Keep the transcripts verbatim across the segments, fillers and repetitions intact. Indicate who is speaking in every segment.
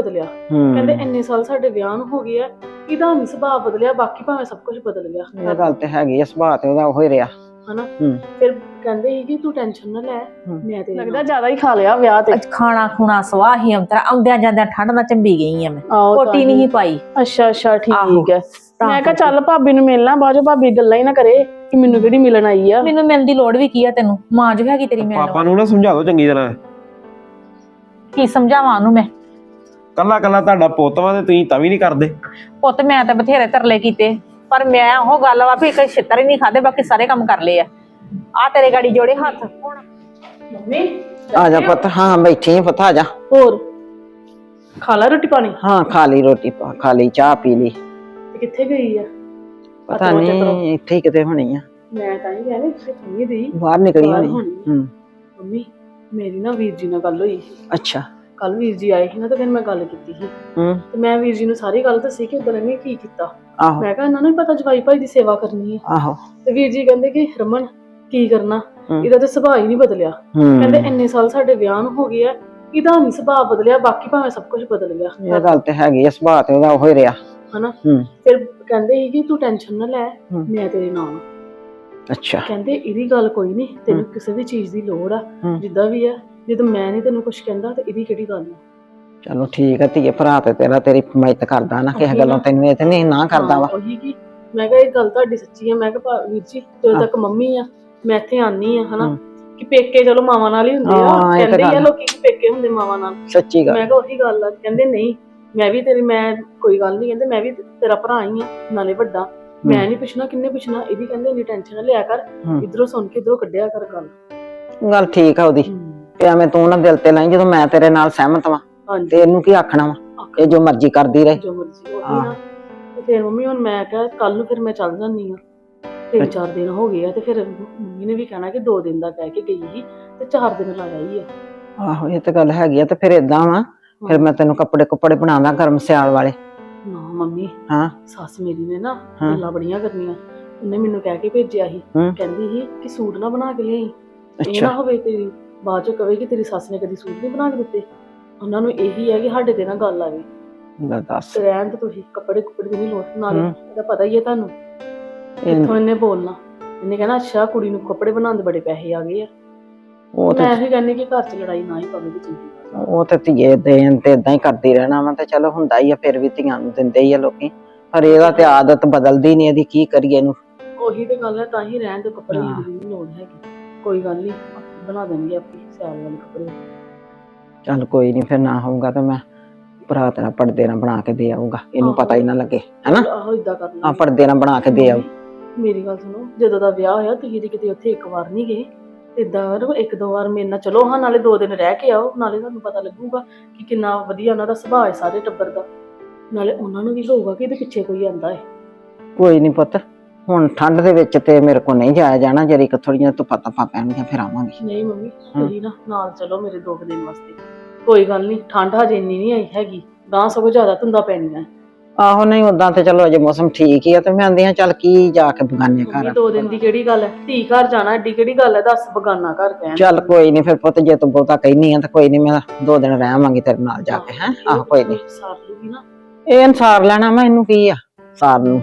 Speaker 1: ਬਦਲਿਆ। ਕਹਿੰਦੇ ਇੰਨੇ ਸਾਲ ਸਾਡੇ ਵਿਆਹ ਨੂੰ ਹੋ ਗਏ ਆ, ਇਹਦਾ ਨਹੀਂ ਸੁਭਾਅ ਬਦਲਿਆ, ਬਾਕੀ ਭਾਵੇਂ ਸਭ ਕੁਝ ਬਦਲ ਗਿਆ।
Speaker 2: ਇਹ ਗੱਲ ਤੇ ਹੈਗੀ ਆ, ਸੁਭਾਅ ਤੇ ਉਹਦਾ ਉਹੀ ਰਿਹਾ
Speaker 1: ਹਨਾ। ਫਿਰ ਕਹਿੰਦੇ ਸੀ ਕਿ ਤੂੰ ਟੈਨਸ਼ਨ ਨਾ ਲੈ, ਮੈਂ ਤੇ ਲੱਗਦਾ ਜ਼ਿਆਦਾ ਹੀ ਖਾ ਲਿਆ ਵਿਆਹ ਤੇ।
Speaker 3: ਖਾਣਾ ਖੁਣਾ ਸਵਾਹ ਹੀ ਅੰਤਰਾ ਆਉਂਦਿਆਂ ਜਾਂਦਿਆਂ ਠੰਡ ਨਾਲ ਚੰਬੀ ਗਈ ਆ ਮੈਂ, ਕੋਟੀ ਨਹੀਂ ਪਾਈ।
Speaker 1: ਅੱਛਾ ਅੱਛਾ ਠੀਕ ਹੈ। ਮੈਂ ਕਿਹਾ ਚੱਲ ਭਾਬੀ ਨੂੰ ਮਿਲਣਾ, ਬਾਅਦ ਚੋਂ ਭਾਬੀ ਗੱਲਾਂ ਹੀ ਨਾ ਕਰੇ ਕਿ ਮੈਨੂੰ ਕਿਹੜੀ ਮਿਲਣ ਆਈ ਆ।
Speaker 3: ਮੈਨੂੰ ਮਿਲਣ ਦੀ ਲੋੜ ਵੀ ਕੀ ਆ, ਤੈਨੂੰ ਮਾਂ ਜੋ ਹੈਗੀ ਤੇਰੀ ਮਿਲਣ।
Speaker 4: ਪਾਪਾ ਨੂੰ ਨਾ ਸਮਝਾ ਦੋ ਚੰਗੀ ਤਰ੍ਹਾਂ।
Speaker 3: ਕੀ ਸਮਝਾਵਾਂ ਉਹਨੂੰ ਮੈਂ?
Speaker 4: ਕੱਲਾ ਕੱਲਾ ਤੁਹਾਡਾ ਪੁੱਤ ਵਾ ਤੇ ਤੁਸੀਂ ਤਾਂ ਵੀ ਨਹੀਂ ਕਰਦੇ।
Speaker 3: ਪੁੱਤ ਮੈਂ ਤਾਂ ਬਥੇਰੇ ਤਰਲੇ ਕੀਤੇ, ਪਰ ਮੈਂ ਉਹ ਗੱਲ ਵਾ ਵੀ ਇੱਕ ਛਿੱਤਰ ਹੀ ਨਹੀਂ ਖਾਦੇ, ਬਾਕੀ ਸਾਰੇ ਕੰਮ ਕਰ ਲਏ ਆ। ਆ ਤੇਰੇ ਗਾੜੀ ਜੋੜੇ ਹੱਥ। ਹੁਣ
Speaker 1: ਮੰਮੀ
Speaker 2: ਆ ਜਾ ਪੁੱਤ। ਹਾਂ ਬੈਠੀ ਆ ਪੁੱਤ, ਆ ਜਾ।
Speaker 1: ਹੋਰ ਖਾ ਲਾ ਰੋਟੀ ਪਾਣੀ?
Speaker 2: ਹਾਂ ਖਾ ਲਈ ਰੋਟੀ, ਖਾ ਲਈ, ਚਾਹ ਪੀ ਲਈ।
Speaker 1: ਤੇ ਕਿੱਥੇ ਗਈ ਆ?
Speaker 2: ਪਤਾ ਨਹੀਂ, ਇੱਥੇ ਹੀ ਕਿਤੇ ਹੋਣੀ ਆ।
Speaker 1: ਮੈਂ ਤਾਂ ਹੀ ਕਹਿੰਦੀ ਕਿ ਤੁਮੀ ਦੀ
Speaker 2: ਬਾਹਰ ਨਿਕਲੀ ਹੋਣੀ।
Speaker 1: ਹੂੰ ਮੰਮੀ ਮੇਰੀ ਨਾ ਵੀਰ ਜੀ ਨਾਲ ਗੱਲ ਹੋਈ ਸੀ।
Speaker 2: ਅੱਛਾ।
Speaker 1: ਕੱਲ ਵੀਰ ਜੀ ਆਏ ਸੀ ਨਾ, ਤੇ ਫਿਰ ਮੈਂ ਗੱਲ ਕੀਤੀ ਸੀ।
Speaker 2: ਹੂੰ
Speaker 1: ਤੇ ਮੈਂ ਵੀਰ ਜੀ ਨੂੰ ਸਾਰੀ ਗੱਲ ਦੱਸੀ ਕਿ ਉਦੋਂ ਇਹਨੇ ਕੀ ਕੀਤਾ।
Speaker 2: ਆਹੋ।
Speaker 1: ਮੈਂ ਕਿਹਾ ਇਹਨਾਂ ਨੂੰ ਵੀ ਪਤਾ ਜਵਾਈ ਭਾਈ ਦੀ ਸੇਵਾ ਕਰਨੀ ਹੈ।
Speaker 2: ਆਹੋ।
Speaker 1: ਤੇ ਵੀਰ ਜੀ ਕਹਿੰਦੇ ਕਿ ਰਮਨ ਕੀ ਕਰਨਾ, ਇਹਦਾ ਤੇ ਸੁਭਾਅ ਹੀ ਨਹੀਂ ਬਦਲਿਆ।
Speaker 2: ਹੂੰ
Speaker 1: ਕਹਿੰਦੇ ਇੰਨੇ ਸਾਲ ਸਾਡੇ ਵਿਆਹ ਨੂੰ ਹੋ ਗਏ ਆ, ਇਹਦਾ ਨਹੀਂ ਸੁਭਾਅ ਬਦਲਿਆ, ਬਾਕੀ ਭਾਵੇਂ ਸਭ ਕੁਝ ਬਦਲ ਗਿਆ।
Speaker 2: ਇਹ ਗੱਲ ਤੇ ਹੈਗੀ ਆ, ਸੁਭਾਅ ਤੇ ਉਹਦਾ ਉਹੀ ਰਿਹਾ
Speaker 1: ਹਨਾ।
Speaker 2: ਹੂੰ
Speaker 1: ਫਿਰ ਕਹਿੰਦੇ ਸੀ ਕਿ ਤੂੰ ਟੈਨਸ਼ਨ ਨਾ ਲੈ, ਮੈਂ ਤੇਰੇ ਨਾਲ।
Speaker 2: ਅੱਛਾ।
Speaker 1: ਕਹਿੰਦੇ ਇਹਦੀ ਗੱਲ ਕੋਈ ਨਹੀਂ, ਤੈਨੂੰ ਕਿਸੇ ਵੀ ਚੀਜ਼ ਦੀ ਲੋੜ ਆ, ਜਿੱਦਾਂ ਵੀ ਆ, ਜਦੋਂ ਮੈਂ ਨਹੀਂ ਤੈਨੂੰ ਕੁਝ ਕਹਿੰਦਾ ਤੇ ਇਹਦੀ ਕਿਹੜੀ ਗੱਲ ਆ।
Speaker 2: ਚਲੋ ਠੀਕ ਆ ਧੀਏ, ਭਰਾ ਤੇ ਤੇਰਾ ਤੇਰੀ ਹਿਮਾਇਤ ਕਰਦਾ ਨਾ, ਕਿਸੇ ਗੱਲੋਂ ਤੈਨੂੰ ਇਹ ਤੇ ਨਹੀਂ ਨਾ ਕਰਦਾ ਵਾ।
Speaker 1: ਉਹੀ ਕੀ ਮੈਂ ਕਿਹਾ ਇਹ ਗੱਲ ਤੁਹਾਡੀ ਸੱਚੀ ਆ। ਮੈਂ ਕਿਹਾ ਵੀਰ ਜੀ ਜਦੋਂ ਤੱਕ ਮੰਮੀ ਆ ਮੈਂ ਇੱਥੇ ਆਨੀ ਆ ਹਨਾ, ਕਿ ਪੇਕੇ ਚਲੋ ਮਾਵਾਂ ਨਾਲ ਹੀ ਹੁੰਦੇ ਆ, ਕਹਿੰਦੇ ਆ ਲੋਕੀ ਕਿ ਪੇਕੇ ਹੁੰਦੇ ਮਾਵਾਂ ਨਾਲ।
Speaker 2: ਸੱਚੀ ਗੱਲ।
Speaker 1: ਮੈਂ ਕਿਹਾ ਉਹੀ ਗੱਲ ਆ। ਕਹਿੰਦੇ ਨਹੀਂ ਮੈਂ ਵੀ ਤੇਰੀ, ਮੈਂ ਕੋਈ ਗੱਲ ਨਹੀਂ, ਕਹਿੰਦੇ ਮੈਂ ਵੀ ਤੇਰਾ ਭਰਾ ਹੀ ਆ, ਨਾਲੇ ਵੱਡਾ, ਮੈਂ ਨਹੀਂ ਪੁੱਛਣਾ ਕਿੰਨੇ ਪੁੱਛਣਾ। ਇਹਦੀ ਕਹਿੰਦੇ ਇੰਨੀ ਟੈਨਸ਼ਨ ਨਾ ਲਿਆ ਕਰ, ਇਧਰੋਂ ਸੁਣ ਕੇ ਇਧਰੋਂ ਕੱਢਿਆ ਕਰ ਗੱਲ।
Speaker 2: ਗੱਲ ਠੀਕ ਆ ਉਹਦੀ, ਐਵੇਂ ਤੂੰ ਨਾ ਦਿਲ ਤੇ ਲਾਈ, ਜਦੋਂ ਮੈਂ ਤੇਰੇ ਨਾਲ ਸਹਿਮਤ ਵਾਂ ਤੇ ਇਹਨੂੰ ਕੀ ਆਖਣਾ ਵਾ, ਇਹ ਜੋ ਮਰਜ਼ੀ ਕਰਦੀ ਰਹੇ।
Speaker 1: ਜੋ ਮਰਜ਼ੀ ਉਹੀ ਨਾ। ਤੇ ਫਿਰ ਮੰਮੀ ਹੁਣ ਮੈਂ ਕਿਹਾ ਕੱਲ ਨੂੰ ਫਿਰ ਮੈਂ ਚੱਲ ਜਾਂਦੀ ਆ, ਤਿੰਨ ਚਾਰ ਦਿਨ ਹੋ ਗਏ ਆ। ਤੇ ਫਿਰ ਮੰਮੀ ਨੇ ਵੀ ਕਹਿਣਾ ਕਿ ਦੋ ਦਿਨ ਦਾ ਕਹਿ ਕੇ ਗਈ ਸੀ ਤੇ ਚਾਰ ਦਿਨ ਲਾ ਆਈ ਆ।
Speaker 2: ਆਹੋ ਇਹ ਤੇ ਗੱਲ ਹੈਗੀ ਆ। ਤੇ ਫਿਰ ਏਦਾਂ ਵਾ, ਫਿਰ ਮੈਂ ਤੈਨੂੰ ਕੱਪੜੇ ਕੁੱਪੜੇ ਬਣਾਦਾ ਗਰਮ ਸਿਆਲ ਵਾਲੇ।
Speaker 1: ਨਾ ਮੰਮੀ,
Speaker 2: ਹਾਂ
Speaker 1: ਸੱਸ ਮੇਰੀ ਨੇ ਨਾ ਗੱਲਾਂ ਬੜੀਆਂ ਕਰਨੀਆਂ। ਉਹਨੇ ਮੈਨੂੰ ਕਹਿ ਕੇ ਭੇਜਿਆ ਸੀ, ਕਹਿੰਦੀ ਸੀ ਕਿ ਸੂਟ ਨਾ ਬਣਾ ਕੇ ਲਿਆਈ, ਇਹ ਨਾ ਹੋਵੇ ਤੇਰੀ ਬਾਅਦ ਚ ਕਵੇ ਕਿ ਤੇਰੀ ਸੱਸ ਨੇ ਕਦੀ ਸੂਟ ਨਹੀਂ ਬਣਾ ਕੇ ਦਿੱਤੇ। ਉਹਨਾਂ ਨੂੰ ਇਹੀ ਹੈ ਕਿ ਸਾਡੇ ਤੇ ਨਾ ਗੱਲ ਆਵੇ।
Speaker 2: ਦੱਸ
Speaker 1: ਰਹਿਣ ਤੇ ਤੁਸੀਂ ਕੱਪੜੇ ਕੁੱਪੜੇ ਦੀ ਨਹੀਂ ਲੋੜ, ਨਾਲੇ ਇਹਦਾ ਪਤਾ ਹੀ ਹੈ ਤੁਹਾਨੂੰ ਕਿੱਥੋਂ ਇਹਨੇ ਬੋਲਣਾ। ਇਹਨੇ ਕਹਿਣਾ ਅੱਛਾ ਕੁੜੀ ਨੂੰ ਕੱਪੜੇ ਬਣਾਉਣ ਦੇ ਬੜੇ ਪੈਸੇ ਆ ਗਏ ਆ। ਮੈਂ ਇਹੀ ਕਹਿੰਦੀ ਕਿ ਘਰ ਚ ਲੜਾਈ ਨਾ ਹੀ ਪਵੇ ਤੇ ਚੰਗੀ।
Speaker 2: ਉਹ ਤੇ ਧੀਏ ਦੇਣ ਤੇ ਏਦਾਂ ਹੀ ਕਰਦੀ ਰਹਿਣਾ ਵਾ, ਤੇ ਚਲੋ ਹੁੰਦਾ ਹੀ ਆ, ਫਿਰ ਵੀ ਧੀਆਂ ਨੂੰ ਦਿੰਦੇ ਹੀ ਆ ਲੋਕੀ, ਪਰ ਇਹਦਾ ਤੇ ਆਦਤ ਬਦਲਦੀ ਨੀ, ਇਹਦੀ ਕੀ ਕਰੀਏ ਇਹਨੂੰ।
Speaker 1: ਉਹੀ ਤੇ ਗੱਲ ਹੈ, ਤਾਂ ਹੀ ਰਹਿਣ ਤੇ ਕੱਪੜੇ ਦੀ ਨਹੀਂ ਲੋੜ ਹੈਗੀ। ਕੋਈ ਗੱਲ ਨੀ, ਬਣਾ ਦੇਣਗੇ ਆਪੇ ਸਿਆਲ ਵਾਲੇ ਕੱਪੜੇ।
Speaker 2: ਚੱਲ ਕੋਈ ਨੀ, ਫਿਰ ਨਾ ਹੋਊਗਾ ਤਾਂ ਮੈਂ ਭਰਾ ਤੇਰਾ ਪਰਦੇ ਨਾਲ ਬਣਾ ਕੇ ਦੇ ਆਊਗਾ, ਇਹਨੂੰ ਪਤਾ ਹੀ ਨਾ ਲੱਗੇ ਹਨਾ।
Speaker 1: ਆਹੋ ਇਦਾਂ ਕਰ
Speaker 2: ਆ ਪਰਦੇ ਨਾਲ ਬਣਾ ਕੇ ਦੇ ਆਊ।
Speaker 1: ਮੇਰੀ ਗੱਲ ਸੁਣੋ, ਜਦੋਂ ਦਾ ਵਿਆਹ ਹੋਇਆ ਤੁਸੀਂ ਤੇ ਕਿਤੇ ਉੱਥੇ ਇੱਕ ਵਾਰ ਨਹੀਂ ਗਏ, ਏਦਾਂ ਇੱਕ ਦੋ ਵਾਰ ਮੇਰੇ ਨਾਲ ਚਲੋ ਹਾਂ, ਨਾਲੇ ਦੋ ਦਿਨ ਰਹਿ ਕੇ ਆਓ, ਨਾਲੇ ਤੁਹਾਨੂੰ ਪਤਾ ਲੱਗੂਗਾ ਕਿ ਕਿੰਨਾ ਵਧੀਆ ਉਹਨਾਂ ਦਾ ਸੁਭਾਅ ਹੈ ਸਾਰੇ ਟੱਬਰ ਦਾ, ਨਾਲੇ ਉਹਨਾਂ ਨੂੰ ਵੀ ਹੋਊਗਾ ਕਿ ਇਹਦੇ ਪਿੱਛੇ ਕੋਈ ਆਂਦਾ ਹੈ।
Speaker 2: ਕੋਈ ਨੀ ਪੁੱਤ, ਹੁਣ ਠੰਡ ਦੇ ਵਿੱਚ ਤੇ ਮੇਰੇ ਕੋਲ ਨਹੀਂ ਜਾਇਆ ਜਾਣਾ, ਜਰੀ ਕਿ ਥੋੜੀਆਂ ਧੁੱਪਾਂ ਧੁੱਪਾਂ ਪੈਣਗੀਆਂ ਫਿਰ ਆਵਾਂਗੀ।
Speaker 1: ਨਹੀਂ ਮੰਮੀ ਤੁਸੀਂ ਨਾ ਨਾਲ ਚਲੋ ਮੇਰੇ ਦੋ ਦਿਨ ਵਾਸਤੇ, ਕੋਈ ਗੱਲ ਨਹੀਂ, ਠੰਡ ਹਜੇ ਇੰਨੀ ਨਹੀਂ ਆਈ ਹੈਗੀ, ਗਾਂ ਸਗੋਂ ਜ਼ਿਆਦਾ ਧੁੰਦਾਂ ਪੈਣੀਆਂ।
Speaker 2: ਆਹੋ ਨਹੀਂ ਉਦਾਂ ਤੇ ਚਲੋ ਅਜੇ ਮੌਸਮ ਠੀਕ ਹੀ ਆ, ਤੇ ਮੈਂ ਆਂਦੀ ਹਾਂ ਚੱਲ ਕੀ ਜਾ ਕੇ ਬਗਾਨੇ ਘਰ।
Speaker 1: ਦੋ ਦਿਨ ਦੀ ਕਿਹੜੀ ਗੱਲ ਹੈ, ਧੀ ਘਰ ਜਾਣਾ ਏਡੀ ਕਿਹੜੀ ਗੱਲ ਹੈ, ਦੱਸ ਬਗਾਨਾ ਘਰ ਕਹਿਣ।
Speaker 2: ਚੱਲ ਕੋਈ ਨੀ ਫਿਰ ਪੁੱਤ, ਜੇ ਤੂੰ ਬਹੁਤਾ ਕਹਿਨੀ ਆ ਤਾਂ ਕੋਈ ਨੀ, ਮੈਂ ਦੋ ਦਿਨ ਰਹਿ ਆਵਾਂਗੀ ਤੇਰੇ ਨਾਲ ਜਾ ਕੇ। ਹੈ ਆਹੋ ਕੋਈ ਨੀ,
Speaker 1: ਸਾਰ ਲੂਗੀ ਨਾ
Speaker 2: ਇਹ ਅਨਸਾਰ ਲੈਣਾ ਮੈਂ, ਇਹਨੂੰ ਕੀ ਆ ਸਾਰ ਨੂੰ,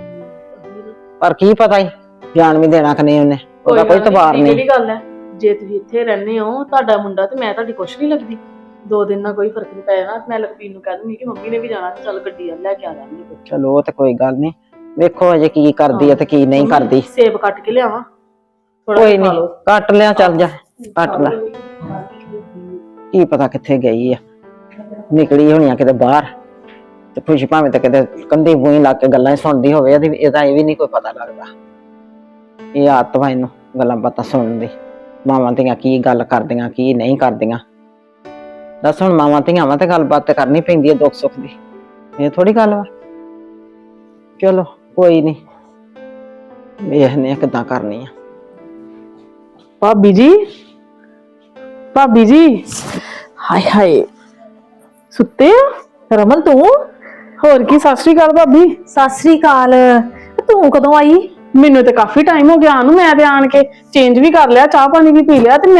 Speaker 2: ਪਰ ਕੀ ਪਤਾ ਹੀ ਜਾਣ ਵੀ ਦੇਣਾ ਕਿ ਨਹੀਂ ਉਹਨੇ, ਉਹਦਾ ਕੋਈ ਤਬਾਰ ਨਹੀਂ।
Speaker 1: ਕਿਹੜੀ ਗੱਲ ਹੈ, ਜੇ ਤੁਸੀਂ ਇੱਥੇ ਰਹਿੰਦੇ ਹੋ ਤੁਹਾਡਾ ਮੁੰਡਾ ਤੇ ਮੈਂ ਤੁਹਾਡੀ ਕੁਛ ਨਹੀਂ ਲੱਗਦੀ, ਦੋ ਦਿਨ ਨਾਲ ਕੋਈ ਫਰਕ ਨਹੀਂ ਪੈ ਜਾਣਾ। ਮੈਂ ਲਖਬੀਰ ਨੂੰ ਕਹਿ ਦੂੰਗੀ ਕਿ ਮੰਮੀ ਨੇ ਵੀ ਜਾਣਾ, ਚੱਲ ਗੱਡੀ ਲੈ ਕੇ ਆ ਜਾਵਾਂਗੇ।
Speaker 2: ਚਲੋ ਉਹ ਤੇ ਕੋਈ ਗੱਲ ਨੀ, ਵੇਖੋ ਅਜੇ ਕੀ ਕਰਦੀ ਹੈ ਤੇ ਕੀ ਨਹੀਂ ਕਰਦੀ।
Speaker 1: ਸੇਬ ਕੱਟ ਕੇ ਲਿਆਵਾਂ?
Speaker 2: ਕੋਈ ਨੀ ਕੱਟ ਲਿਆ, ਚੱਲ ਜਾ ਕੱਟ ਲੈ। ਕੀ ਪਤਾ ਕਿੱਥੇ ਗਈ ਆ, ਨਿਕਲੀ ਹੋਣੀ ਆ ਕਿਤੇ ਬਾਹਰ, ਤੇ ਖੁਸ਼ੀ ਭਾਵੇਂ ਤੇ ਕਿਤੇ ਕੰਧੀ ਬੂਹੀ ਲਾ ਕੇ ਗੱਲਾਂ ਸੁਣਦੀ ਹੋਵੇ, ਇਹਦਾ ਇਹ ਵੀ ਨਹੀਂ ਕੋਈ ਪਤਾ ਲੱਗਦਾ। ਇਹ ਆਦਤ ਵਾ ਇਹਨੂੰ ਗੱਲਾਂ ਬਾਤਾਂ ਸੁਣਨ ਦੀ, ਮਾਵਾਂ ਧੀਆਂ ਕੀ ਗੱਲ ਕਰਦੀਆਂ ਕੀ ਨਹੀਂ ਕਰਦੀਆਂ। ਦੱਸ ਹੁਣ ਮਾਵਾਂ ਧੀਆਂ ਵਾ ਤੇ ਗੱਲਬਾਤ ਤੇ ਕਰਨੀ ਪੈਂਦੀ ਹੈ ਦੁੱਖ ਸੁੱਖ ਦੀ, ਇਹ ਥੋੜੀ ਗੱਲ ਵਾ। ਚਲੋ ਕੋਈ ਨੀ, ਵੇਖਦੇ ਆ ਕਿੱਦਾਂ ਕਰਨੀ ਆ।
Speaker 1: ਭਾਬੀ ਜੀ, ਭਾਬੀ ਜੀ,
Speaker 3: ਹਾਏ ਹਾਏ
Speaker 1: ਸੁੱਤੇ ਆ?
Speaker 3: ਰਮਨ ਤੂੰ?
Speaker 1: ਹੋਰ ਕੀ, ਸਤਿ ਸ੍ਰੀ ਅਕਾਲ ਭਾਬੀ।
Speaker 3: ਸਤਿ ਸ੍ਰੀ ਅਕਾਲ, ਤੂੰ ਕਦੋਂ ਆਈ?
Speaker 1: ਮੈਨੂੰ ਤੇ ਕਾਫੀ ਟਾਈਮ ਹੋ ਗਿਆ ਨੂੰ, ਮੈਂ ਤੇ ਆਣ ਕੇ ਚੇਂਜ ਵੀ ਕਰ ਲਿਆ, ਚਾਹ ਪਾਣੀ ਵੀ ਪੀ ਲਿਆ, ਤੇ ਮੈਂ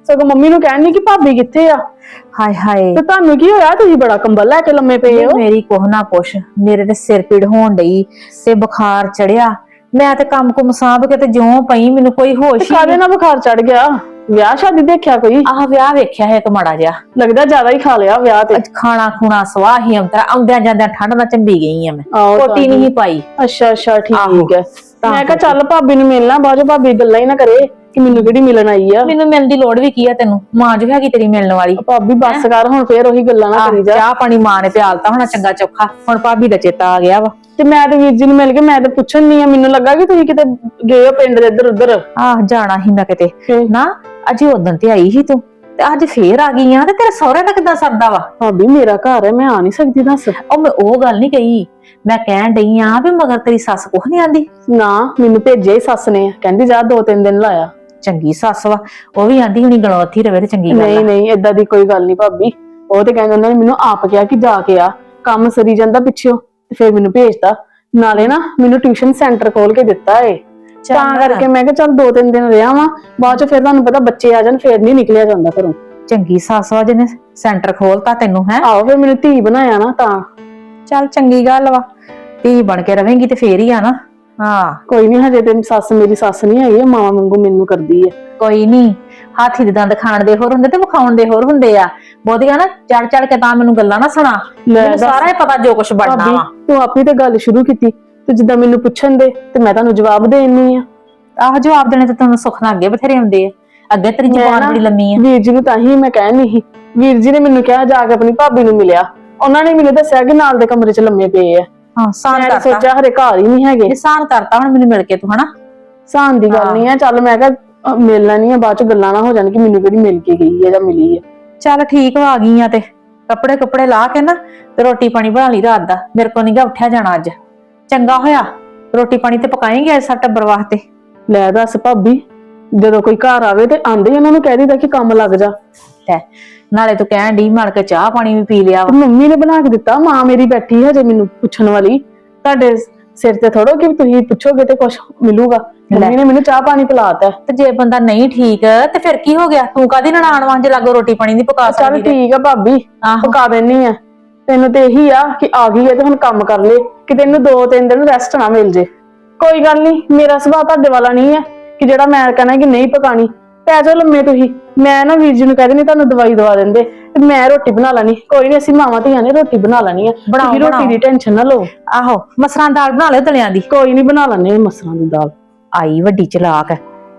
Speaker 1: ਸਗੋਂ ਮੰਮੀ ਨੂੰ ਕਹਿਣੀ ਕਿ ਭਾਬੀ ਕਿੱਥੇ ਆ।
Speaker 3: ਹਾਏ ਹਾਏ
Speaker 1: ਤੇ ਤੁਹਾਨੂੰ ਕੀ ਹੋਇਆ, ਤੁਸੀਂ ਬੜਾ ਕੰਬਲ ਲੈ ਕੇ ਲੰਮੇ ਪਏ ਹੋ।
Speaker 3: ਮੇਰੀ ਕੁਛ ਨਾ ਪੁੱਛ, ਮੇਰੇ ਤੇ ਸਿਰ ਪੀੜ ਹੋਣ ਡਈ ਤੇ ਬੁਖਾਰ ਚੜਿਆ। ਮੈਂ ਤੇ ਕੰਮ ਕੁਮ ਸਾਂਭ ਕੇ ਤੇ ਜਿਉਂ ਪਈ, ਮੈਨੂੰ ਕੋਈ ਹੋਸ਼ ਹੀ
Speaker 1: ਕਾਹਦੇ ਨਾਲ ਬੁਖਾਰ ਚੜ ਗਿਆ? ਵਿਆਹ ਸ਼ਾਦੀ ਦੇਖਿਆ ਕੋਈ?
Speaker 3: ਆਹ ਵਿਆਹ ਵੇਖਿਆ ਹੈ ਇੱਕ ਮਾੜਾ ਜਿਹਾ।
Speaker 1: ਲੱਗਦਾ ਜ਼ਿਆਦਾ ਹੀ ਖਾ ਲਿਆ ਵਿਆਹ ਤੇ।
Speaker 3: ਅੱਜ ਖਾਣਾ ਖੂਣਾ ਸਵਾਹ ਹੀ ਅੰਤਰਾ, ਆਉਂਦਿਆਂ ਜਾਂਦਿਆਂ ਠੰਡ ਨਾਲ ਚੰਬੀ ਗਈ ਆ ਮੈਂ,
Speaker 1: ਆਹੋ
Speaker 3: ਕੋਟੀ ਨਹੀਂ ਪਾਈ।
Speaker 1: ਅੱਛਾ ਅੱਛਾ ਠੀਕ
Speaker 3: ਆਹੋ,
Speaker 1: ਹੈ। ਮੈਂ ਕਿਹਾ ਚੱਲ ਭਾਬੀ ਨੂੰ ਮਿਲਣਾ, ਬਾਅਦ ਚੋਂ ਭਾਬੀ ਗੱਲਾਂ ਹੀ ਨਾ ਕਰੇ ਕਿ ਮੈਨੂੰ ਕਿਹੜੀ ਮਿਲਣ ਆਈ ਆ।
Speaker 3: ਮੈਨੂੰ ਮਿਲਣ ਦੀ ਲੋੜ ਵੀ ਕੀ ਆ, ਤੈਨੂੰ ਮਾਂ ਜੋ ਹੈਗੀ ਤੇਰੀ ਮਿਲਣ ਵਾਲੀ।
Speaker 1: ਭਾਬੀ ਬੱਸ ਕਰ ਹੁਣ, ਫੇਰ ਉਹੀ ਗੱਲਾਂ ਨਾ ਕਰੀ ਜਾ।
Speaker 3: ਚਾਹ ਪਾਣੀ ਮਾਂ ਨੇ ਪਿਆਲਤਾ ਹੋਣਾ ਚੰਗਾ ਚੋਖਾ, ਹੁਣ ਭਾਬੀ ਦਾ ਚੇਤਾ ਆ ਗਿਆ ਵਾ।
Speaker 1: ਤੇ ਮੈਂ ਤੇ ਵੀਰ ਜੀ ਨੂੰ ਮਿਲ ਕੇ ਮੈਂ ਤੇ ਪੁੱਛਣ ਨਹੀਂ ਆ, ਮੈਨੂੰ ਲੱਗਾ ਕਿ ਤੁਸੀਂ ਕਿਤੇ ਗਏ ਹੋ ਪਿੰਡ ਦੇ ਇੱਧਰ ਉੱਧਰ।
Speaker 3: ਆਹ ਜਾਣਾ ਹੀ ਮੈਂ ਕਿਤੇ ਨਾ, ਅਜੇ ਉਦੋਂ ਤੇ ਆਈ ਸੀ ਤੂੰ, ਤੇ ਅੱਜ ਫੇਰ ਆ ਗਈ ਆ। ਤੇ ਤੇਰੇ ਸਹੁਰੇ ਦਾ ਕਿੱਦਾਂ ਸਰਦਾ ਵਾ?
Speaker 1: ਭਾਬੀ ਮੇਰਾ ਘਰ ਹੈ, ਮੈਂ ਆ ਨਹੀਂ ਸਕਦੀ ਦੱਸ।
Speaker 3: ਉਹ ਮੈਂ ਉਹ ਗੱਲ ਨਹੀਂ ਕਹੀ, ਮੈਂ ਕਹਿਣ ਡਈ ਆ ਵੀ ਮਗਰ ਤੇਰੀ ਸੱਸ ਕੁਛ ਨਹੀਂ ਆਂਦੀ?
Speaker 1: ਨਾ ਮੈਨੂੰ ਭੇਜਿਆ ਹੀ ਸੱਸ ਨੇ, ਕਹਿੰਦੀ ਜਾ ਦੋ ਤਿੰਨ ਦਿਨ ਲਾਇਆ।
Speaker 3: ਚੰਗੀ ਸੱਸ ਵਾ, ਉਹ ਵੀ ਆਂਦੀ ਹੁਣੀ ਗਣੋਥੀ ਰਵੇ ਤੇ ਚੰਗੀ ਗੱਲ
Speaker 1: ਨਹੀਂ
Speaker 3: ਆ।
Speaker 1: ਨਹੀਂ ਏਦਾਂ ਦੀ ਕੋਈ ਗੱਲ ਨਹੀਂ ਭਾਬੀ, ਉਹ ਤੇ ਕਹਿੰਦੇ ਉਹਨਾਂ ਨੇ ਮੈਨੂੰ ਆਪ ਕਿਹਾ ਕਿ ਜਾ ਕੇ ਆ, ਕੰਮ ਸਰੀ ਜਾਂਦਾ ਪਿੱਛੋਂ ਤੇ ਫੇਰ ਮੈਨੂੰ ਭੇਜਤਾ। ਨਾਲੇ ਨਾ ਮੈਨੂੰ ਟਿਊਸ਼ਨ ਸੈਂਟਰ ਖੋਲ ਕੇ ਦਿੱਤਾ ਏ, ਤਾਂ ਕਰਕੇ ਮੈਂ ਕਿਹਾ ਚੱਲ ਦੋ ਤਿੰਨ ਦਿਨ ਰਿਹਾ ਵਾਂ, ਬਾਅਦ ਚ ਫਿਰ ਤੁਹਾਨੂੰ ਪਤਾ ਬੱਚੇ ਆ ਜਾਣ ਫੇਰ ਨਹੀਂ ਨਿਕਲਿਆ ਜਾਂਦਾ ਘਰੋਂ।
Speaker 3: ਚੰਗੀ ਸੱਸ ਵਾ ਜਿਹਨੇ ਸੈਂਟਰ ਖੋਲਤਾ ਤੈਨੂੰ ਹੈ।
Speaker 1: ਆਹੋ ਫਿਰ ਮੈਨੂੰ ਧੀ ਬਣਾਇਆ ਨਾ ਤਾਂ।
Speaker 3: ਚੱਲ ਚੰਗੀ ਗੱਲ ਵਾ, ਧੀ ਬਣ ਕੇ ਰਵੇਂਗੀ ਤੇ ਫੇਰ ਹੀ ਆ ਨਾ। ਹਾਂ
Speaker 1: ਕੋਈ ਨਹੀਂ, ਹਜੇ ਤੇ ਸੱਸ ਮੇਰੀ ਸੱਸ ਨਹੀਂ ਹੈਗੀ, ਮਾਂ ਵਾਂਗੂ ਮੈਨੂੰ ਕਰਦੀ ਹੈ।
Speaker 3: ਕੋਈ ਨਹੀਂ, ਹਾਥੀ ਦੇ ਦੰਦ ਖਾਣ ਦੇ ਹੋਰ ਹੁੰਦੇ ਤੇ ਵਿਖਾਉਣ ਦੇ ਹੋਰ ਹੁੰਦੇ ਆ। ਬਹੁਤੀਆਂ ਨਾ ਚੜ ਚੜ ਕੇ ਤਾਂ ਮੈਨੂੰ ਗੱਲਾਂ ਨਾ ਸੁਣਾ, ਮੈਨੂੰ ਸਾਰਾ ਹੀ ਪਤਾ ਜੋ ਕੁਛ ਬਣਨਾ ਵਾ।
Speaker 1: ਤੂੰ ਆਪਣੀ ਤੇ ਗੱਲ ਸ਼ੁਰੂ ਕੀਤੀ, ਤੇ ਜਿੱਦਾਂ ਮੈਨੂੰ ਪੁੱਛਣ ਦੇ ਤੇ ਮੈਂ ਤੁਹਾਨੂੰ ਜਵਾਬ ਦੇਣੀ ਆ।
Speaker 3: ਆਹ ਜਵਾਬ ਦੇਣੇ ਤੇ ਤੁਹਾਨੂੰ ਸੁੱਖ ਨਾਲ ਅੱਗੇ ਬਥੇਰੇ ਆਉਂਦੇ ਆ, ਅੱਗੇ ਤੇਰੀ ਜ਼ੁਬਾਨ ਬੜੀ ਲੰਮੀ ਆ।
Speaker 1: ਵੀਰ ਜੀ ਨੂੰ ਤਾਂ ਹੀ ਮੈਂ ਕਹਿ ਨਹੀਂ ਸੀ, ਵੀਰ ਜੀ ਨੇ ਮੈਨੂੰ ਕਿਹਾ ਜਾ ਕੇ ਆਪਣੀ ਭਾਬੀ ਨੂੰ ਮਿਲਿਆ, ਉਹਨਾਂ ਨੇ ਮੈਨੂੰ ਦੱਸਿਆ ਕਿ ਨਾਲ ਦੇ ਕਮਰੇ 'ਚ ਲੰਮੇ ਪਏ ਆ।
Speaker 3: ਹਾਂ ਸਾਨ
Speaker 1: ਮੈਂ
Speaker 3: ਕਰਤਾ,
Speaker 1: ਸੋਚਿਆ ਹਰੇ ਘਰ ਹੀ ਨਹੀਂ ਹੈਗੇ।
Speaker 3: ਸਾਨ ਕਰਤਾ ਹੁਣ ਮੈਨੂੰ ਮਿਲ ਕੇ ਤੂੰ, ਹਨਾ
Speaker 1: ਸਾਨ ਦੀ ਗੱਲ ਨਹੀਂ ਆ। ਚੱਲ ਮੈਂ ਕਿਹਾ ਮਿਲਣਾ ਨਹੀਂ ਆ, ਬਾਅਦ ਚ ਗੱਲਾਂ ਨਾ ਹੋ ਜਾਣ ਕਿ ਮੈਨੂੰ ਕਿਹੜੀ ਮਿਲ ਕੇ ਗਈ ਹੈ ਜਾਂ ਮਿਲੀ ਹੈ।
Speaker 3: ਚੱਲ ਠੀਕ ਵਾ, ਆ ਗਈ ਆ ਤੇ ਕੱਪੜੇ ਕੁੱਪੜੇ ਲਾ ਕੇ ਨਾ ਤੇ ਰੋਟੀ ਪਾਣੀ ਬਣਾ ਲਈ ਰਾਤ ਦਾ। ਮੇਰੇ ਕੋਲ ਨੀ ਗਾ ਉੱਠਿਆ ਜਾਣਾ ਅੱਜ, ਚੰਗਾ ਹੋਇਆ ਰੋਟੀ ਪਾਣੀ ਤੇ ਪਕਾਏਂਗੇ ਅੱਜ ਸਭ ਟੱਬਰ ਵਾਸਤੇ।
Speaker 1: ਲੈ ਦੱਸ ਭਾਬੀ, ਜਦੋਂ ਕੋਈ ਘਰ ਆਵੇ ਤੇ ਆਂਦੇ ਉਹਨਾਂ ਨੂੰ ਕਹਿ ਦਿੱਤਾ ਕਿ ਕੰਮ ਲੱਗ ਜਾ।
Speaker 3: ਲੈ ਨਾਲੇ ਤੂੰ ਕਹਿਣ ਡਈ ਮੜ ਕੇ ਚਾਹ ਪਾਣੀ ਵੀ ਪੀ ਲਿਆ ਵਾ।
Speaker 1: ਮੰਮੀ ਨੇ ਬਣਾ ਕੇ ਦਿੱਤਾ, ਮਾਂ ਮੇਰੀ ਬੈਠੀ ਹੈ ਜੇ ਮੈਨੂੰ ਪੁੱਛਣ ਵਾਲੀ। ਤੁਹਾਡੇ ਸਿਰ ਤੇ ਥੋੜੋ ਕਿ ਤੁਸੀਂ ਪੁੱਛੋਗੇ ਤੇ ਕੁਛ ਮਿਲੂਗਾ। ਮੰਮੀ ਨੇ ਮੈਨੂੰ ਚਾਹ ਪਾਣੀ ਪਿਲਾਤਾ।
Speaker 3: ਤੇ ਜੇ ਬੰਦਾ ਨਹੀਂ ਠੀਕ ਤੇ ਫਿਰ ਕੀ ਹੋ ਗਿਆ? ਤੂੰ ਕਾਹਦੀ ਨਨਾਣ ਵਾਂਝ ਲਾਗੋ ਰੋਟੀ ਪਾਣੀ ਨਹੀਂ ਪਕਾ
Speaker 1: ਚੱਲ
Speaker 3: ਸਕਦੀ?
Speaker 1: ਠੀਕ ਆ ਭਾਬੀ, ਪਕਾ ਦੇਣੀ ਆ। ਤੈਨੂੰ ਤੇ ਇਹੀ ਆ ਕਿ ਆ ਗਈ ਹੈ ਤੇ ਹੁਣ ਕੰਮ ਕਰ ਲੈ, ਕਿ ਤੈਨੂੰ ਦੋ ਤਿੰਨ ਦਿਨ ਰੈਸਟ ਨਾ ਮਿਲ ਜੇ। ਕੋਈ ਗੱਲ ਨਹੀਂ, ਮੇਰਾ ਸੁਭਾਅ ਤੁਹਾਡੇ ਵਾਲਾ ਨਹੀਂ ਹੈ ਕਿ ਜਿਹੜਾ ਮੈਂ ਕਹਿਣਾ ਕਿ ਨਹੀਂ ਪਕਾਣੀ। ਪੈ ਜਾਓ ਲੰਮੇ ਤੁਸੀਂ, ਮੈਂ ਨਾ ਵੀਰ ਜੀ ਨੂੰ ਕਹਿ ਦੇਣੀ ਤੁਹਾਨੂੰ ਦਵਾਈ ਦਵਾ ਦਿੰਦੇ ਤੇ ਮੈਂ ਰੋਟੀ ਬਣਾ ਲੈਣੀ। ਕੋਈ ਨਹੀਂ, ਅਸੀਂ ਮਾਵਾਂ ਧੀਆਂ ਨੇ ਰੋਟੀ ਬਣਾ ਲੈਣੀ ਆ, ਤੁਸੀਂ ਰੋਟੀ ਦੀ ਟੈਨਸ਼ਨ ਨਾ ਲਓ।
Speaker 3: ਆਹੋ ਮਸਰਾਂ ਦੀ ਦਾਲ ਬਣਾ ਲਿਓ ਦਲਿਆਂ ਦੀ।
Speaker 1: ਕੋਈ ਨਹੀਂ, ਬਣਾ ਲੈਣੇ ਮਸਰਾਂ ਦੀ ਦਾਲ।
Speaker 3: ਆਈ ਵੱਡੀ ਚਲਾਕ,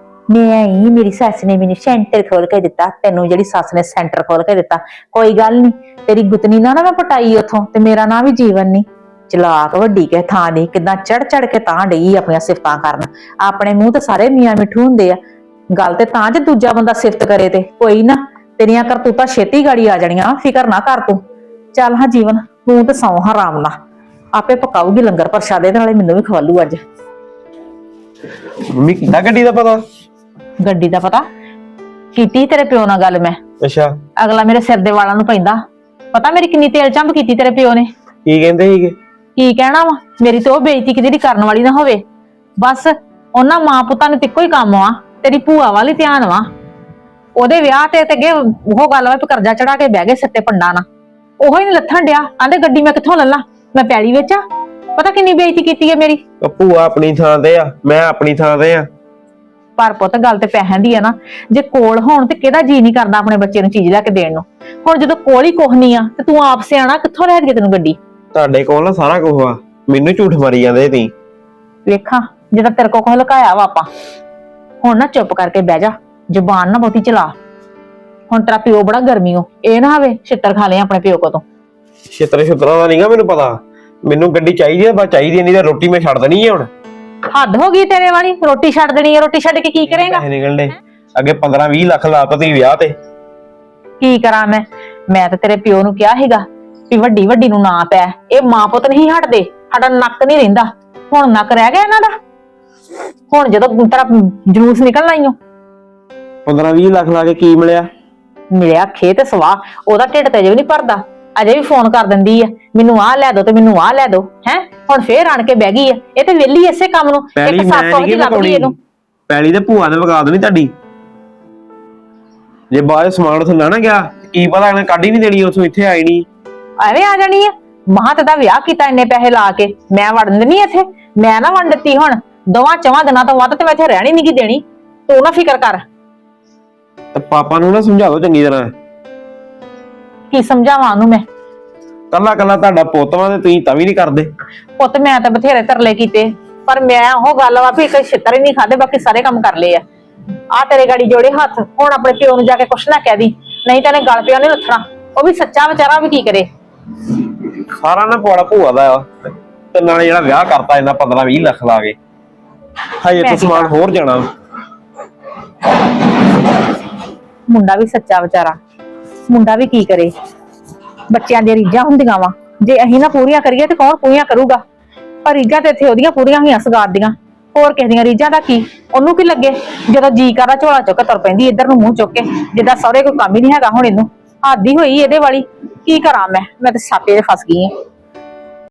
Speaker 3: ਮੈਂ ਹੀ ਮੇਰੀ ਸੱਸ ਨੇ ਮੈਨੂੰ ਸੈਂਟਰ ਖੋਲ ਕੇ ਦਿੱਤਾ। ਤੈਨੂੰ ਜਿਹੜੀ ਸੱਸ ਨੇ ਸੈਂਟਰ ਖੋਲ ਕੇ ਦਿੱਤਾ, ਕੋਈ ਗੱਲ ਨਹੀਂ, ਤੇਰੀ ਗੁੱਤਨੀ ਨਾ ਨਾ ਮੈਂ ਪਟਾਈ ਉਥੋਂ ਤੇ ਮੇਰਾ ਨਾਂ ਵੀ ਜੀਵਨ ਨਹੀਂ। ਚਲਾਕ ਵੱਡੀ ਕੇ ਥਾਂ ਦੀ ਕਿੱਦਾਂ ਚੜ ਚੜ ਕੇ ਤਾਂ ਡਈ ਆਪਣੀਆਂ ਸਿਫਤਾਂ ਕਰਨ। ਆਪਣੇ ਮੂੰਹ ਤੇ ਸਾਰੇ ਮੀਆਂ ਮਿੱਠੂ ਹੁੰਦੇ ਆ, ਗੱਲ ਤੇ ਤਾਂ ਜੇ ਦੂਜਾ ਬੰਦਾ ਸਿਫਤ ਕਰੇ ਤੇ। ਕੋਈ ਨਾ, ਤੇਰੀਆਂ ਕਰਤੂਤਾਂ ਛੇਤੀ ਗਾੜੀ ਆ ਜਾਣੀਆਂ, ਫਿਕਰ ਨਾ ਕਰ ਤੂੰ। ਚੱਲ ਹਾਂ ਜੀਵਨ, ਤੂੰ ਤੇ ਸੌਂ ਆਰਾਮ ਨਾਲ, ਆਪੇ ਪਕਾਉਗੀ ਲੰਗਰ ਪ੍ਰਸ਼ਾਦੇ ਦੇ ਨਾਲੇ ਮੈਨੂੰ ਵੀ ਖਵਾਲੂ ਅੱਜ।
Speaker 4: ਮੰਮੀ ਕਿੱਦਾਂ ਗੱਡੀ ਦਾ ਪਤਾ?
Speaker 3: ਗੱਡੀ ਦਾ ਪਤਾ ਕੀਤੀ ਤੇਰੇ ਪਿਓ ਨਾਲ ਗੱਲ ਮੈਂ।
Speaker 4: ਅੱਛਾ,
Speaker 3: ਅਗਲਾ ਮੇਰੇ ਸਿਰ ਦੇ ਵਾਲਾਂ ਨੂੰ ਪੈਂਦਾ। ਪਤਾ ਮੇਰੀ ਕਿੰਨੀ ਤੇਲ ਚੰਬ ਕੀਤੀ ਤੇਰੇ ਪਿਓ ਨੇ।
Speaker 4: ਕੀ ਕਹਿੰਦੇ ਸੀਗੇ?
Speaker 3: ਕੀ ਕਹਿਣਾ ਵਾ, ਮੇਰੀ ਤੇ ਉਹ ਬੇਇੱਜ਼ਤੀ ਕਿਤੇ ਦੀ ਕਰਨ ਵਾਲੀ ਨਾ ਹੋਵੇ। ਬਸ ਉਹਨਾਂ ਮਾਂ ਪੁੱਤਾਂ ਨੂੰ ਤੇ ਇੱਕੋ ਹੀ ਕੰਮ ਵਾ, ਤੇਰੀ ਭੂਆ ਵਾਲੀ ਧਿਆਨ ਵਾ। ਉਹਦੇ ਵਿਆਹ ਤੇ ਤੇ ਅੱਗੇ ਉਹ ਗੱਲ ਵਾ ਵੀ ਕਰਜ਼ਾ ਚੜਾ ਕੇ ਬਹਿ ਗਏ ਸਿੱਤੇ ਪੰਡਾ ਨਾਲ। ਉਹੋ ਹੀ ਨੀ ਲੱਥਣ ਡਿਆ, ਆਂਦੇ ਗੱਡੀ ਮੈਂ ਕਿੱਥੋਂ ਲੱਲਾ, ਮੈਂ ਪੈਲੀ ਵਿੱਚ ਆ। ਪਤਾ ਕਿੰਨੀ ਬੇਇੱਜ਼ਤੀ ਕੀਤੀ ਹੈ ਮੇਰੀ।
Speaker 4: ਭੂਆ ਆਪਣੀ ਥਾਂ ਤੇ ਆ, ਮੈਂ ਆਪਣੀ ਥਾਂ ਤੇ ਆ।
Speaker 3: ਪਰ ਪੁੱਤ ਗੱਲ ਤੇ ਪੈਸਿਆਂ ਦੀ ਆ ਨਾ, ਜੇ ਕੋਲ ਹੋਣ ਤੇ ਕਿਹਦਾ ਜੀ ਨਹੀਂ ਕਰਦਾ ਆਪਣੇ ਬੱਚੇ ਨੂੰ ਚੀਜ਼ ਲੈ ਕੇ ਦੇਣ ਨੂੰ। ਹੁਣ ਜਦੋਂ ਕੋਲ ਹੀ ਕੁਛ ਨਹੀਂ ਆ ਤੇ ਤੂੰ ਆਪ ਸਿਆਣਾ, ਕਿੱਥੋਂ ਲੈ ਕੇ ਤੈਨੂੰ ਗੱਡੀ?
Speaker 4: ਤੁਹਾਡੇ ਕੋਲ ਨਾ ਸਾਰਾ ਕੁਝ ਆ, ਮੈਨੂੰ ਝੂਠ ਮਾਰੀ ਜਾਂਦੇ ਤੁਸੀਂ।
Speaker 3: ਵੇਖਾਂ ਜਿੱਦਾਂ ਤੇਰੇ ਕੋਲ ਕੁਛ ਲੁਕਾਇਆ ਵਾ ਆਪਾਂ। ਹੁਣ ਨਾ ਚੁੱਪ ਕਰਕੇ ਬਹਿ ਜਾ, ਜ਼ੁਬਾਨ ਨਾ ਬਹੁਤੀ ਚਲਾ। ਹੁਣ ਤੇਰਾ ਪਿਓ ਬੜਾ ਗਰਮੀਓ, ਇਹ ਨਾ ਹੋਵੇ ਛਿੱਤਰ ਖਾ ਲਏ ਆਪਣੇ ਪਿਓ ਕੋ ਤੋਂ।
Speaker 4: ਛਿੱਤਰ ਛਿੱਤਰਾਂ ਦਾ ਨਹੀਂਗਾ ਮੈਨੂੰ ਪਤਾ, ਮੈਨੂੰ ਗੱਡੀ ਚਾਹੀਦੀ ਆ, ਬਸ ਚਾਹੀਦੀ ਨਹੀਂ ਤਾਂ ਰੋਟੀ ਮੈਂ ਛੱਡ ਦੇਣੀ ਆ। ਹੁਣ
Speaker 3: ਹੱਦ ਹੋ ਗਈ ਤੇਰੇ ਵਾਲੀ, ਰੋਟੀ ਛੱਡ ਦੇਣੀ ਹੈ। ਰੋਟੀ ਛੱਡ ਕੇ ਕੀ ਕਰੇਗਾ?
Speaker 4: ਪੈਸੇ ਨਿਕਲਣੇ ਅੱਗੇ ਪੰਦਰਾਂ ਵੀਹ ਲੱਖ ਲਾਤਾ ਤੁਸੀਂ ਵਿਆਹ ਤੇ।
Speaker 3: ਕੀ ਕਰਾਂ ਮੈਂ? ਮੈਂ ਤਾਂ ਤੇਰੇ ਪਿਓ ਨੂੰ ਕਿਹਾ ਸੀਗਾ ਵੀ ਵੱਡੀ ਵੱਡੀ ਨੂੰ ਨਾ ਪੈ, ਇਹ ਮਾਂ ਪੁੱਤ ਨਹੀਂ ਹਟਦੇ, ਸਾਡਾ ਨੱਕ ਨਹੀਂ ਰਹਿੰਦਾ। ਹੁਣ ਨੱਕ ਰਹਿ ਗਿਆ ਇਹਨਾਂ ਦਾ। ਹੁਣ ਜਦੋਂ ਤੇਰਾ ਜਲੂਸ ਨਿਕਲਣਾ ਹੀ ਓ।
Speaker 4: ਪੰਦਰਾਂ ਵੀਹ ਲੱਖ ਲਾ ਕੇ ਕੀ ਮਿਲਿਆ?
Speaker 3: ਮਿਲਿਆ ਖੇ ਤੇ ਸਵਾਹ, ਉਹਦਾ ਢਿੱਡ ਤੇ ਅਜੇ ਵੀ ਨਹੀਂ ਭਰਦਾ। ਅਜੇ ਵੀ ਫੋਨ ਕਰ ਦਿੰਦੀ ਆ, ਮੈਨੂੰ ਆਹ ਲੈ ਦੋ ਤੇ ਮੈਨੂੰ ਆਹ ਲੈ ਦੋ। ਹੈ ਹੁਣ ਫੇਰ ਆਣ ਕੇ ਬਹਿ ਗਈ ਆ, ਇਹ ਤੇ ਵਿਹਲੀ ਇਸੇ ਕੰਮ ਨੂੰ। ਇੱਕ ਸੱਸ ਉਹਦੀ ਲੱਭਦੀ ਇਹਨੂੰ।
Speaker 4: ਪੈਲੀ ਤੇ ਭੂਆ ਨੇ ਵਗਾ ਦੇਣੀ ਤੁਹਾਡੀ। ਜੇ ਬਾਅਦ ਚ ਸਮਾਨ ਉੱਥੇ ਨਾ ਨਾ ਗਿਆ ਕੀ ਪਤਾ ਇਹਨੇ ਕੱਢ ਹੀ ਨਹੀਂ ਦੇਣੀ ਉੱਥੋਂ, ਇੱਥੇ ਆਈ ਨਹੀਂ।
Speaker 3: ਐਵੇਂ ਆ ਜਾਣੀ ਆ। ਮਹਾਂ ਤੇ ਦਾ ਵਿਆਹ ਕੀਤਾ ਇੰਨੇ ਪੈਸੇ ਲਾ ਕੇ, ਮੈਂ ਵੜਨ ਦਿੰਦੀ ਇੱਥੇ? ਮੈਂ ਨਾ ਵੰਡ ਦਿੱਤੀ ਹੁਣ ਦੋਵਾਂ ਚਵਾਂ ਦਿਨਾਂ ਤੋਂ ਵੱਧ ਤੇ ਮੈਂ ਇੱਥੇ ਰਹਿਣੀ ਨਹੀਂ ਗੀ ਦੇਣੀ। ਤੂੰ ਨਾ ਫਿਕਰ ਕਰ।
Speaker 4: ਤੇ ਪਾਪਾ ਨੂੰ ਨਾ ਸਮਝਾ ਦਿਓ ਚੰਗੀ ਤਰ੍ਹਾਂ।
Speaker 3: ਕੀ ਸਮਝਾਵਾਂ ਉਹਨੂੰ ਮੈਂ?
Speaker 4: ਕੱਲਾ ਕੱਲਾ ਤੁਹਾਡਾ ਪੁੱਤ ਵਾ ਤੇ ਤੁਸੀਂ ਤਾਂ ਵੀ ਨਹੀਂ ਕਰਦੇ।
Speaker 3: ਪੁੱਤ ਮੈਂ ਤਾਂ ਬਥੇਰੇ ਤਰਲੇ ਕੀਤੇ, ਪਰ ਮੈਂ ਉਹ ਗੱਲ ਵਾ ਵੀ ਇੱਕ ਛਿੱਤਰ ਹੀ ਨਹੀਂ ਖਾਦੇ, ਬਾਕੀ ਸਾਰੇ ਕੰਮ ਕਰ ਲਏ ਆ। ਆ ਤੇਰੇ ਗਾੜੀ ਜੋੜੇ ਹੱਥ, ਹੁਣ ਆਪਣੇ ਪਿਓ ਨੂੰ ਜਾ ਕੇ ਕੁਛ ਨਾ ਕਹਿ ਦੀ, ਨਹੀਂ ਤਾਂ ਇਹਨੇ ਗਲ ਪਿਆ ਨਹੀਂ ਲੱਥਣਾ। ਉਹ ਵੀ ਸੱਚਾ ਵਿਚਾਰਾ, ਵੀ ਕੀ ਕਰੇ।
Speaker 4: ਸਾਰਾ ਨਾ ਪਵਾੜਾ ਭੂਆ ਦਾ ਆ, ਤੇ ਨਾਲੇ ਜਿਹੜਾ ਵਿਆਹ ਕਰਤਾ ਇਹਨਾਂ ਪੰਦਰਾਂ ਵੀਹ ਲੱਖ ਲਾ ਕੇ, ਹਜੇ ਤੋਂ ਸਮਾਨ ਹੋਰ ਜਾਣਾ।
Speaker 3: ਮੁੰਡਾ ਵੀ ਸੱਚਾ ਵਿਚਾਰਾ, ਮੁੰਡਾ ਵੀ ਕੀ ਕਰੇ। ਬੱਚਿਆਂ ਦੀਆਂ ਰੀਝਾਂ ਹੁੰਦੀਆਂ ਵਾ, ਜੇ ਅਸੀਂ ਨਾ ਪੂਰੀਆਂ ਕਰੀਏ ਤੇ ਕੌਣ ਪੂਰੀਆਂ ਕਰੂਗਾ। ਪਰ ਰੀਝਾਂ ਤੇ ਇੱਥੇ ਉਹਦੀਆਂ ਪੂਰੀਆਂ ਹੋਈਆਂ ਸਗਾਤ ਦੀਆਂ, ਹੋਰ ਕਿਸੇ ਦੀਆਂ ਰੀਝਾਂ ਦਾ ਕੀ। ਉਹਨੂੰ ਕੀ ਲੱਗੇ ਜਦੋਂ ਜੀ ਕਰਦਾ ਝੋਲਾ ਚੁੱਕ ਕੇ ਤੁਰ ਪੈਂਦੀ ਇੱਧਰ ਨੂੰ ਮੂੰਹ ਚੁੱਕ ਕੇ, ਜਿੱਦਾਂ ਸਹੁਰੇ ਕੋਈ ਕੰਮ ਹੀ ਨਹੀਂ ਹੈਗਾ। ਹੁਣ ਇਹਨੂੰ ਆਦੀ ਹੋਈ ਇਹਦੇ ਵਾਲੀ, ਕੀ ਕਰਾਂ ਮੈਂ ਮੈਂ ਤੇ ਸਾਪੇ ਦੇ ਫਸ ਗਈ ਆ।